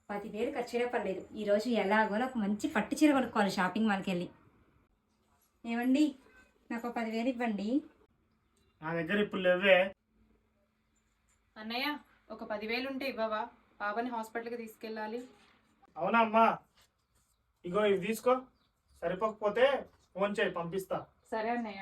10,000 ఖర్చైనా పర్లేదు. ఈరోజు ఎలాగో నాకు మంచి పట్టు చీర కొనుక్కోవాలి షాపింగ్ మాల్కి వెళ్ళి. ఏమండి, నాకు 10,000 ఇవ్వండి. నా దగ్గర ఇప్పుడు లేవే. అన్నయ్య, ఒక 10,000 ఉంటే ఇవ్వవా? బాబాని హాస్పిటల్కి తీసుకెళ్ళాలి. అవునా అమ్మా, ఇగో ఇవి తీసుకో. సరిపోకపోతే ఫోన్ చేయి, పంపిస్తా. సరే అన్నయ్య.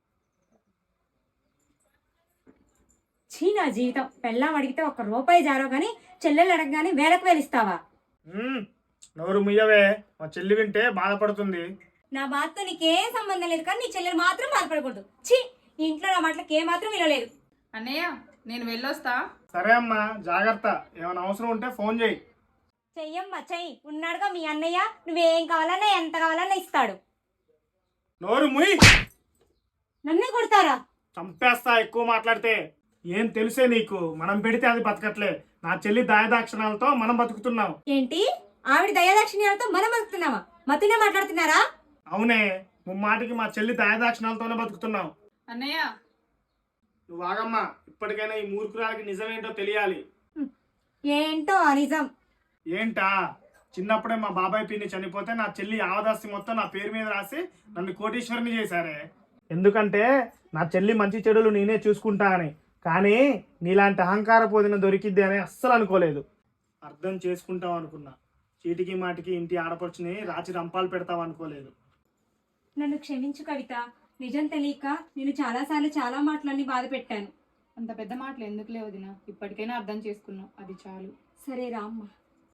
చీ నా జీవితం, పెళ్ళాం అడిగితే 1 రూపాయి జారో కానీ చెల్లెలు అడగగానే వేలకు వేలిస్తావా? నోరు ముయ్యవే, మా చెల్లి వింటే బాధపడుతుంది. నా బాధతో నీకేం సంబంధం లేదు, కానీ నీ చెల్లెలు మాత్రం బాధపడకూడదు. ఛీ, ఇంట్లో నా మాటలకి ఏమాత్రం వినలేదు. అన్నయ్య, నేను వెళ్ళొస్తా. సరే అమ్మా, జాగ్రత్త. ఏమైనా అవసరం ఉంటే ఫోన్ చేయి. చెయ్యమ్మా చెయ్యి, ఉన్నాడుగా మీ అన్నయ్య. నువ్వేం కావాలన్నా ఎంత కావాలన్నా ఇస్తాడు. నోరు ముయ్. నన్నే కొడతారా? చంపేస్తా ఎక్కువ మాట్లాడితే. ఏం తెలుసే నీకు? మనం పెడితే అది బతకట్లే. నా చెల్లి దయదాక్షిణాలతో మనం బతుకుతున్నాం. ఏంటి? ఆవిడ దయాదాక్షిణ్యాలతో మనం బతుకుతున్నామా? మతునే మాట్లాడుతున్నారా? అవునే, ముమ్మాటికి మా చెల్లి దయదాక్షిణాలతోనే బతుకుతున్నాం. అన్నయ్య, నువ్వు ఆగమ్మా. ఇప్పటికైనా ఈ మూర్ఖురాలకి నిజమేంటో తెలియాలి. ఏంటో ఆ నిజం? ఏంటా? చిన్నప్పుడే మా బాబాయ్ పిన్ని చనిపోతే నా చెల్లి ఆవదాస్తి మొత్తం నా పేరు మీద రాసి నన్ను కోటీశ్వరిని చేశారే. ఎందుకంటే నా చెల్లి మంచి చెడులు నేనే చూసుకుంటా అని. కానీ నీలాంటి అహంకార పోదిన దొరికిద్ది అని అస్సలు అనుకోలేదు. అర్థం చేసుకుంటాం అనుకున్నా. చీటికి మాటికి ఇంటి ఆడపడుచుని రాచి రంపాలు పెడతావు అనుకోలేదు. నన్ను క్షమించు కవిత. నిజం తెలియక నేను చాలాసార్లు చాలా మాటలన్నీ బాధ పెట్టాను. అంత పెద్ద మాటలు ఎందుకులే వదినా. ఇప్పటికైనా అర్థం చేసుకున్నావు, అది చాలు. సరే రామ్మా.